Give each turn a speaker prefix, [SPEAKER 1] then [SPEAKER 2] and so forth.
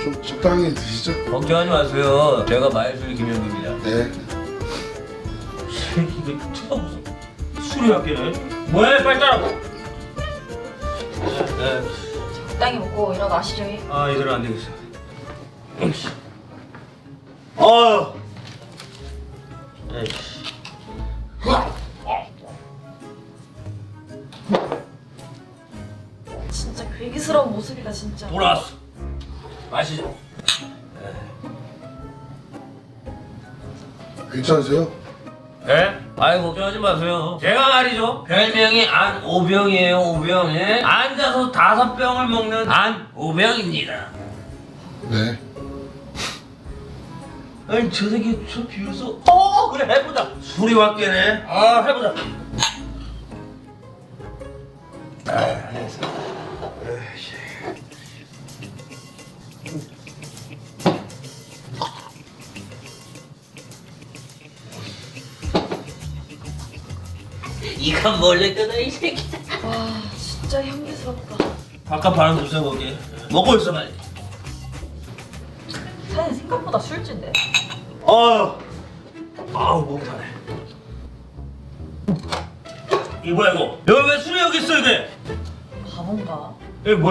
[SPEAKER 1] 좀 적당히 드시죠.
[SPEAKER 2] 걱정하지 마세요. 제가 마이술 김현규입니다.
[SPEAKER 1] 네.
[SPEAKER 2] 새끼 이거 처음 술이 학교네. 뭐해 빨리 따라고. 네.
[SPEAKER 3] 적당히 먹고 일어나시죠.
[SPEAKER 2] 아 이대로 안 되겠어. 어. 에이씨.
[SPEAKER 3] 진짜 괴기스러운 모습이다 진짜.
[SPEAKER 2] 돌아왔어. 마시죠.
[SPEAKER 1] 괜찮으세요?
[SPEAKER 2] 네? 아이 걱정하지 마세요. 제가 말이죠. 별명이 안오병이에요. 오병. 예? 앉아서 5병을 먹는 안오병입니다.
[SPEAKER 1] 네.
[SPEAKER 2] 아니 저 새끼 저 비웃어. 그래 해보자. 술이 왔겠네. 아 해보자. 아 알겠어. 에이씨. 이건 몰래 끄다 이 새끼.
[SPEAKER 3] 와 진짜 향기스럽다.
[SPEAKER 2] 바깥 바람 좀 쐬보게. 먹고 있어 빨리.
[SPEAKER 3] 사장님 생각보다 술진데.
[SPEAKER 2] 아우 목 타네. 이거 뭐야 이거? 여기 왜 술이 여기 있어 이게?
[SPEAKER 3] 바본가?
[SPEAKER 2] 이게 뭐야?